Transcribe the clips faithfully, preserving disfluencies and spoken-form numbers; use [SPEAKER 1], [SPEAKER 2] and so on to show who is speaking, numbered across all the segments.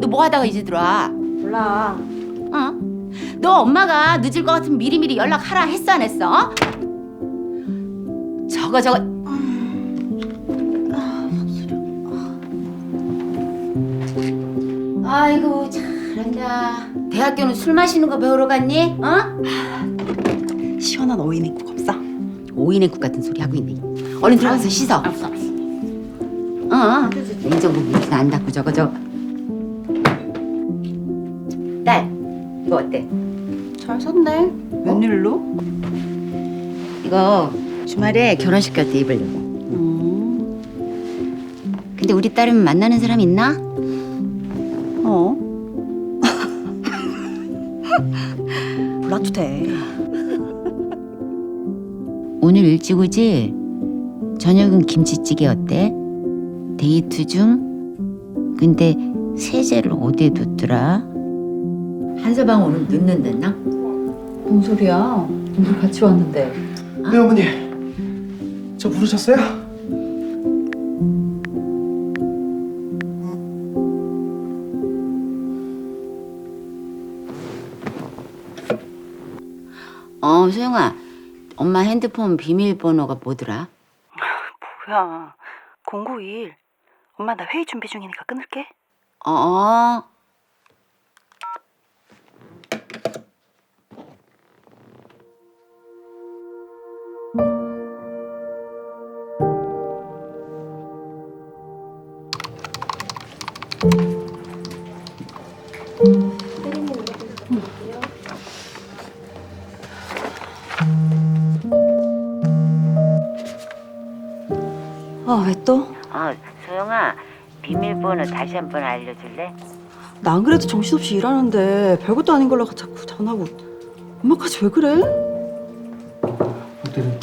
[SPEAKER 1] 너 뭐 하다가 이제 들어와?
[SPEAKER 2] 몰라.
[SPEAKER 1] 어? 너 엄마가 늦을 것 같으면 미리미리 연락하라 했어 안 했어? 어? 저거 저거 아이고 잘한다. 대학교는 술 마시는 거 배우러 갔니? 어?
[SPEAKER 2] 시원한 어인냉국 없어?
[SPEAKER 1] 오이냉국 같은 소리 하고 있네. 얼른 들어가서 씻어.
[SPEAKER 2] 알았어, 알았어.
[SPEAKER 1] 어, 냉장고 문안 닫고 저거 저거. 딸, 이거 어때?
[SPEAKER 2] 잘 샀네. 웬일로?
[SPEAKER 1] 이거 주말에 결혼식 갈 때 입으려고.
[SPEAKER 2] 음.
[SPEAKER 1] 근데 우리 딸은 만나는 사람 있나?
[SPEAKER 2] 어? 몰라도 돼.
[SPEAKER 1] 오늘 일찍 오지? 저녁은 김치찌개 어때? 데이트 중? 근데 세제를 어디에 뒀더라? 한서방 오늘 늦는댔나?
[SPEAKER 2] 뭔 소리야? 우리 같이 왔는데.
[SPEAKER 3] 네 어머니, 저 부르셨어요?
[SPEAKER 1] 어, 소영아. 엄마 핸드폰 비밀번호가 뭐더라?
[SPEAKER 2] 뭐야? 공구일. 엄마 나 회의 준비 중이니까 끊을게.
[SPEAKER 1] 어.
[SPEAKER 2] 아, 왜 또?
[SPEAKER 1] 어, 소영아. 비밀번호 다시 한번 알려줄래?
[SPEAKER 2] 나 안 그래도 정신없이 일하는데 별것도 아닌 걸로 자꾸 전화고. 엄마까지 왜 그래?
[SPEAKER 3] 어때요?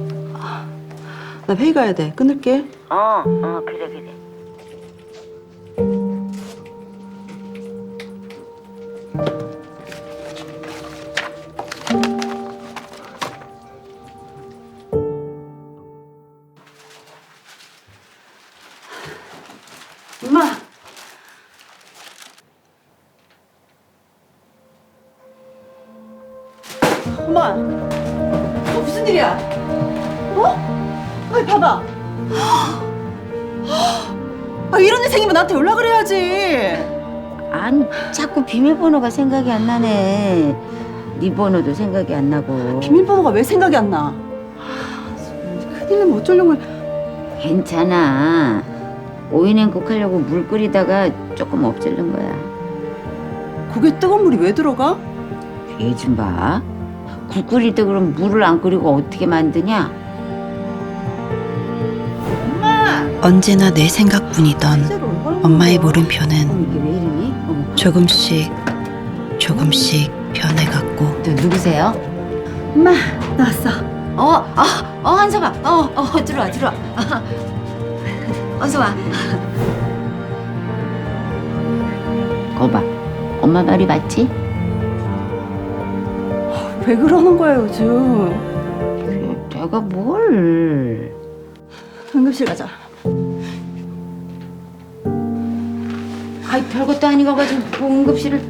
[SPEAKER 2] 나 회의 가야 돼. 끊을게.
[SPEAKER 1] 어, 어, 그래, 그래.
[SPEAKER 2] 엄마. 엄마. 어, 무슨 일이야? 어? 아이 봐봐. 아, 이런 일 생기면 나한테 연락을 해야지.
[SPEAKER 1] 아니, 자꾸 비밀번호가 생각이 안 나네. 네 번호도 생각이 안 나고.
[SPEAKER 2] 비밀번호가 왜 생각이 안 나? 큰일 나면 어쩌려고.
[SPEAKER 1] 괜찮아. 오이냉국 하려고 물 끓이다가 조금 엎질른 거야.
[SPEAKER 2] 국에 뜨거운 물이 왜 들어가?
[SPEAKER 1] 얘 좀 봐. 국 끓일 때 그럼 물을 안 끓이고 어떻게 만드냐?
[SPEAKER 2] 엄마.
[SPEAKER 4] 언제나 내 생각뿐이던
[SPEAKER 2] 실제로 얼마나
[SPEAKER 4] 엄마의
[SPEAKER 2] 무서워.
[SPEAKER 4] 물음표는
[SPEAKER 1] 어머, 이게 왜 이러니? 어머,
[SPEAKER 4] 조금씩 조금씩 변해갔고
[SPEAKER 1] 너 누구세요?
[SPEAKER 2] 엄마 나왔어.
[SPEAKER 1] 어, 어, 어, 한서봐. 어, 어, 들어와, 들어와. 어서 와. 거봐. 엄마 말이 맞지?
[SPEAKER 2] 왜 그러는 거야 요즘?
[SPEAKER 1] 내가 뭘?
[SPEAKER 2] 응급실 가자.
[SPEAKER 1] 아이, 별것도 아닌 거 가지고 뭐 응급실을.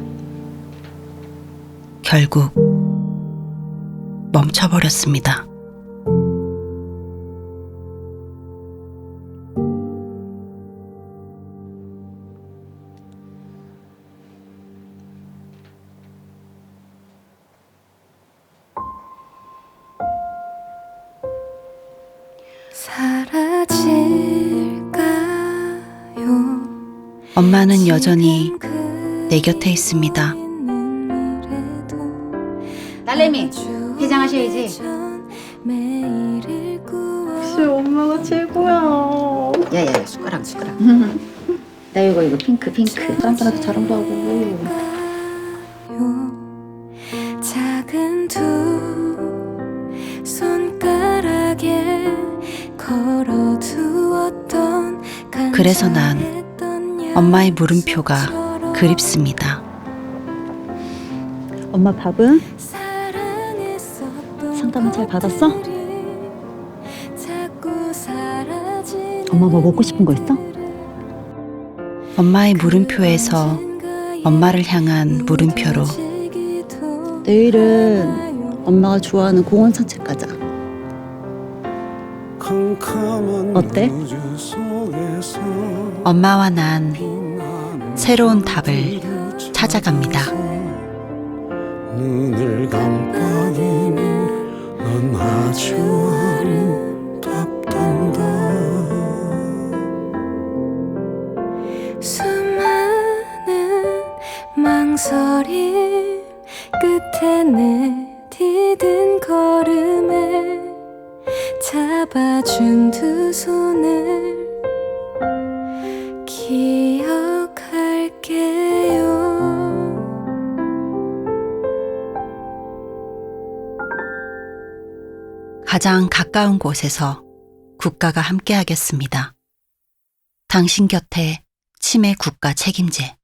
[SPEAKER 4] 결국 멈춰버렸습니다.
[SPEAKER 5] 사라질까요?
[SPEAKER 4] 엄마는 여전히 내 곁에 있습니다.
[SPEAKER 1] 딸내미, 해장하셔야지.
[SPEAKER 2] 역시 엄마가 최고야.
[SPEAKER 1] 야야, 숟가락, 숟가락. 나 이거 이거 핑크, 핑크.
[SPEAKER 2] 다른 사람한테 자랑도 하고.
[SPEAKER 5] 작은 두 손가락에 걸어두었던
[SPEAKER 4] 그래서 난 엄마의 물음표가 그립습니다.
[SPEAKER 2] 엄마 밥은? 상담은 잘 받았어? 엄마 뭐 먹고 싶은 거 있어?
[SPEAKER 4] 엄마의 물음표에서 엄마를 향한 물음표로
[SPEAKER 2] 내일은 엄마가 좋아하는 공원 산책 가자. 어때?
[SPEAKER 4] 엄마와 난 새로운 답을 찾아갑니다.
[SPEAKER 6] 눈을 깜빡이는 넌 아주 아름답단다.
[SPEAKER 5] 수많은 망설임 끝에 내 디딘 걸음에 잡아준 두 손을 기억할게요.
[SPEAKER 4] 가장 가까운 곳에서 국가가 함께하겠습니다. 당신 곁에 치매 국가 책임제.